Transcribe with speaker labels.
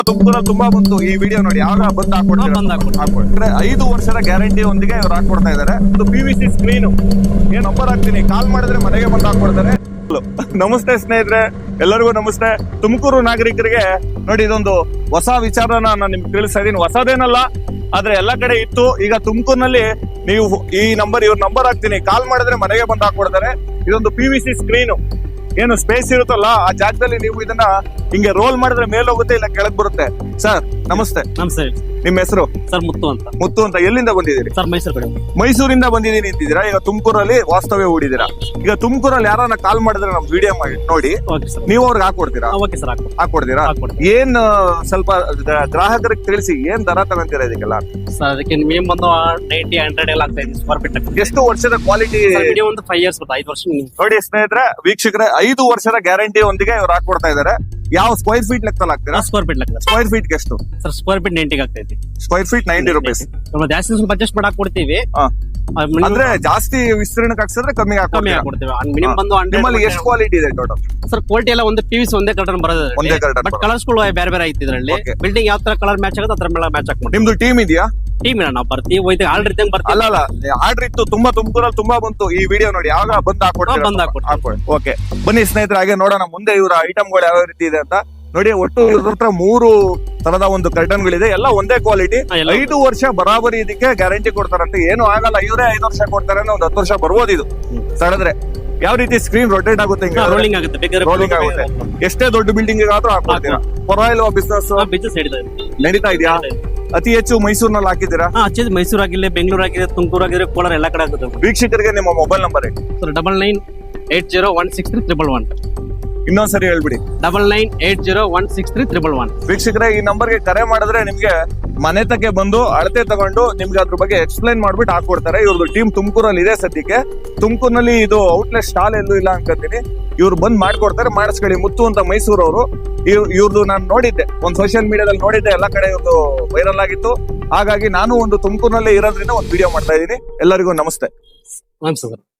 Speaker 1: ತುಮಕೂರಲ್ಲಿ ತುಂಬಾ ಬಂತು ಈ ವಿಡಿಯೋ ನೋಡಿ, ಯಾವಾಗ ಬಂದ್ ಹಾಕೊಡ್ತಾರೆ. 5 ವರ್ಷದ ಗ್ಯಾರಂಟಿ ಒಂದಿಗೆ ಇವ್ರು ಹಾಕೊಡ್ತಾ ಇದಾರೆ. ಒಂದು PVC ಸ್ಕ್ರೀನ್ ಏನ್ ನಂಬರ್ ಹಾಕ್ತೀನಿ, ಕಾಲ್ ಮಾಡಿದ್ರೆ ಮನೆಗೆ ಬಂದ್ ಹಾಕೊಡ್ತಾರೆ. ನಮಸ್ತೆ ಸ್ನೇಹಿತರೆ, ಎಲ್ಲರಿಗೂ ನಮಸ್ತೆ. ತುಮಕೂರು ನಾಗರಿಕರಿಗೆ ನೋಡಿ, ಇದೊಂದು ಹೊಸ ವಿಚಾರನ ನಾನು ನಿಮ್ಗೆ ತಿಳಿಸ್ತಾ ಇದೀನಿ. ಹೊಸದೇನಲ್ಲ, ಆದ್ರೆ ಎಲ್ಲಾ ಕಡೆ ಇತ್ತು. ಈಗ ತುಮಕೂರಿನಲ್ಲಿ ನೀವು ಇವ್ರ ನಂಬರ್ ಹಾಕ್ತೀನಿ, ಕಾಲ್ ಮಾಡಿದ್ರೆ ಮನೆಗೆ ಬಂದ್ ಹಾಕೊಡ್ತಾರೆ. ಇದೊಂದು PVC ಸ್ಕ್ರೀನ್ ಏನು ಸ್ಪೇಸ್ ಇರುತ್ತಲ್ಲ, ಆ ಜಾಗದಲ್ಲಿ ನೀವು ಇದನ್ನ ಹಿಂಗೆ ರೋಲ್ ಮಾಡಿದ್ರೆ ಮೇಲೆ ಹೋಗುತ್ತೆ, ಇಲ್ಲ ಕೆಳಗ್ ಬರುತ್ತೆ. ಸರ್ ನಮಸ್ತೆ.
Speaker 2: ನಮಸ್ತೆ.
Speaker 1: ನಿಮ್ಮ ಹೆಸರು?
Speaker 2: ಸರ್ ಮುತ್ತು ಅಂತ.
Speaker 1: ಮುತ್ತು ಅಂತ. ಎಲ್ಲಿಂದ ಬಂದಿದ್ದೀರಿ?
Speaker 2: ಸರ್ ಮೈಸೂರು ಕಡೆ.
Speaker 1: ಮೈಸೂರಿಂದ ಬಂದಿದ್ದೀನಿ ಅಂತಿದ್ದೀರಾ. ಈಗ ತುಮಕೂರಲ್ಲಿ ವಾಸ್ತವ್ಯ ಹೂಡಿದ್ದೀರಾ. ಈಗ ತುಮಕೂರಲ್ಲಿ ಯಾರನ್ನ ಕಾಲ್ ಮಾಡಿದ್ರೆ ನಮ್ ವಿಡಿಯೋ ಮಾಡಿ ನೋಡಿ, ನೀವು ಅವ್ರಿಗೆ ಹಾಕೊಡ್ತೀರಾ? ಹಾಕೊಡ್ತೀರಾ? ಏನ್ ಸ್ವಲ್ಪ ಗ್ರಾಹಕರಿಗೆ ತಿಳಿಸಿ, ಏನ್ ದರ ತಗೊಂತೀರಾ ಇದಕ್ಕೆಲ್ಲ?
Speaker 2: ಸರ್ ಅದಕ್ಕೆ ಮಿನಿಮಮ್ ಒಂದು 90-100 ಎಲ್ಲ ಆಗ್ತಾ ಇದೆ ಸ್ಕ್ವೇರ್ ಫೀಟ್.
Speaker 1: ಎಷ್ಟು ವರ್ಷದ ಕ್ವಾಲಿಟಿ?
Speaker 2: ಒಂದು 5 years ಬರುತ್ತೆ, 5 ವರ್ಷ.
Speaker 1: ನೋಡಿ ಸ್ನೇಹಿತರೆ, ವೀಕ್ಷಕರೇ, 5 ವರ್ಷದ ಗ್ಯಾರಂಟಿ ಒಂದಿಗೆ ಇವ್ರು ಹಾಕೊಡ್ತಾ ಇದಾರೆ. ಯಾವ ಸ್ಕ್ವೇರ್ ಫೀಟ್ ಲೆಕ್ಕದಲ್ಲಿ ಹಾಕ್ತೀರಾ?
Speaker 2: ಸ್ಕ್ವೇರ್ ಫೀಟ್ ಲೆಕ್ಕ.
Speaker 1: ಸ್ಕ್ವೇರ್ ಫೀಟ್ ಎಷ್ಟು?
Speaker 2: ಸರ್ ಸ್ಕ್ವೇರ್ ಫೀಟ್ 90 ಆಗ್ತಾ ಇದೆ.
Speaker 1: ಸ್ಕ್ವೇರ್ ಫೀಟ್ 90 ರೂಪೀಸ್.
Speaker 2: ಜಾಸ್ತಿ ಸ್ವಲ್ಪ ಅಡ್ಜಸ್ಟ್ ಮಾಡಕ್ ಕೊಡ್ತೀವಿ.
Speaker 1: ಅಂದ್ರೆ ಜಾಸ್ತಿ ವಿಸ್ತೀರ್ಣಕ್ಕೆ ಹಾಕ್ಸಿದ್ರೆ ಕಮ್ಮಿ
Speaker 2: ಹಾಕೊಡ್ತೀವಿ. ಮಿನಿಮಮ್ ಬಂದು 100.
Speaker 1: ನಿಮ್ಮಲ್ಲಿ ಎಷ್ಟು ಕ್ವಾಲಿಟಿ ಇದೆ ಟೋಟಲ್?
Speaker 2: ಸರ್ ಕ್ವಾಲಿಟಿ ಎಲ್ಲ ಒಂದು PVC ಒಂದೇ ಕಲರ್ ಬರೋದು, ಬಟ್ ಕಲರ್ಸ್ ಗಳು ಬೇರೆ ಬೇರೆ ಐತಿ ಇದರಲ್ಲಿ. ಬಿಲ್ಡಿಂಗ್ ಯಾವ ತರ ಕಲರ್ ಮ್ಯಾಚ್ ಆಗುತ್ತೆ ಅದ್ರ ಮೇಲೆ ಮ್ಯಾಚ್ ಹಾಕ್ಬೋದು.
Speaker 1: ನಿಮ್ದು ಟೀಮ್ ಇದೆಯಾ?
Speaker 2: ಟೀಮ್ ಇಲ್ಲ, ನಾವು ಬರ್ತೀವಿ ಹೋಯ್ತು ಆರ್ಡರ್ ಇದ್ದಂಗೆ ಬರ್ತೀವಿ.
Speaker 1: ಅಲ್ಲ ಆರ್ಡರ್ ಇತ್ತು, ತುಂಬಾ ತುಮಕೂರಲ್ಲಿ ತುಂಬಾ ಬಂತು. ಈ ವಿಡಿಯೋ ನೋಡಿ, ಯಾವಾಗ ಬಂದ್ ಹಾಕೊಡ್ತೀವಿ. ಓಕೆ ಬನ್ನಿ ಸ್ನೇಹಿತರೆ, ಹಾಗೆ ನೋಡೋಣ ಮುಂದೆ ಇವರ ಐಟಮ್ಗಳು ಯಾವ ರೀತಿ ಇದೆ ಅಂತ. ನೋಡಿ, ಒಟ್ಟು ಇವ್ರ ಹತ್ರ 3 ತರದ ಒಂದು ಕರ್ಟನ್ ಗಳಿದೆ, ಎಲ್ಲ ಒಂದೇ ಕ್ವಾಲಿಟಿ. 5 ವರ್ಷ ಬರಾಬರಿ ಇದಕ್ಕೆ ಗ್ಯಾರಂಟಿ ಕೊಡ್ತಾರಂತೆ. ಏನು ಆಗಲ್ಲ, ಇವರೇ 5 ವರ್ಷ ಕೊಡ್ತಾರೆ, ಒಂದು 10 ವರ್ಷ ಬರ್ಬೋದು ಇದು ತಡೆದ್ರೆ. ಯಾವ ರೀತಿ ಸ್ಕ್ರೀನ್ ರೊಟೇಟ್ ಆಗುತ್ತೆ,
Speaker 2: ರೋಲಿಂಗ್ ಆಗುತ್ತೆ.
Speaker 1: ಎಷ್ಟೇ ದೊಡ್ಡ ಬಿಲ್ಡಿಂಗ್ ಆದ್ರೂ ಹಾಕೊಡ್ತೀರಾ? ಪರವಾಗಿಲ್ವಾ ಬಿಸ್ನೆಸ್ ನಡೀತಾ ಇದೆಯಾ? ಅತಿ ಹೆಚ್ಚು ಮೈಸೂರಿನಲ್ಲಿ ಹಾಕಿದ್ದೀರಾ?
Speaker 2: ಮೈಸೂರು ಆಗಿಲ್ಲ, ಬೆಂಗಳೂರು ಆಗಿದೆ, ತುಮಕೂರು ಆಗಿದೆ, ಕೋಲಾರ ಎಲ್ಲ ಕಡೆ ಆಗುತ್ತೆ.
Speaker 1: ವೀಕ್ಷಕರಿಗೆ ನಿಮ್ಮ ಮೊಬೈಲ್ ನಂಬರ್ ಹೇಳಿ.
Speaker 2: 9980163111.
Speaker 1: ಇನ್ನೊಂದ್ಸರಿ ಹೇಳ್ಬಿಡಿ.
Speaker 2: 9980163111.
Speaker 1: ವೀಕ್ಷಕರೇ, ಈ ನಂಬರ್ಗೆ ಕರೆ ಮಾಡಿದ್ರೆ ನಿಮ್ಗೆ ಮನೆ ತಕ್ಕೆ ಬಂದು ಅಳತೆ ತಗೊಂಡು ನಿಮ್ಗೆ ಅದ್ರ ಬಗ್ಗೆ ಎಕ್ಸ್ಪ್ಲೈನ್ ಮಾಡ್ಬಿಟ್ಟು ಹಾಕೊಡ್ತಾರೆ. ಇವ್ರದ್ದು ಟೀಮ್ ತುಮಕೂರಲ್ಲಿ ಇದೆ ಸದ್ಯಕ್ಕೆ. ತುಮಕೂರಿನಲ್ಲಿ ಇದು ಔಟ್ಲೆಟ್ ಸ್ಟಾಲ್ ಎಲ್ಲೂ ಇಲ್ಲ ಅನ್ಕೊಂತೀನಿ. ಇವ್ರು ಬಂದ್ ಮಾಡ್ಕೊಡ್ತಾರೆ, ಮಾಡಿಸ್ಕೊಳ್ಳಿ. ಮುತ್ತು ಅಂತ ಮೈಸೂರವರು. ಇವ್ರದ್ದು ನಾನು ನೋಡಿದ್ದೆ, ಒಂದು ಸೋಷಿಯಲ್ ಮೀಡಿಯಾದಲ್ಲಿ ನೋಡಿದ್ದೆ, ಎಲ್ಲ ಕಡೆ ಇವ್ರದ್ದು ವೈರಲ್ ಆಗಿತ್ತು. ಹಾಗಾಗಿ ನಾನು ಒಂದು ತುಮಕೂರಿನಲ್ಲೇ ಇರೋದ್ರಿಂದ ಒಂದು ವಿಡಿಯೋ ಮಾಡ್ತಾ ಇದ್ದೀನಿ. ಎಲ್ಲರಿಗೂ ನಮಸ್ತೆ.
Speaker 2: ನಮಸ್ತೆ.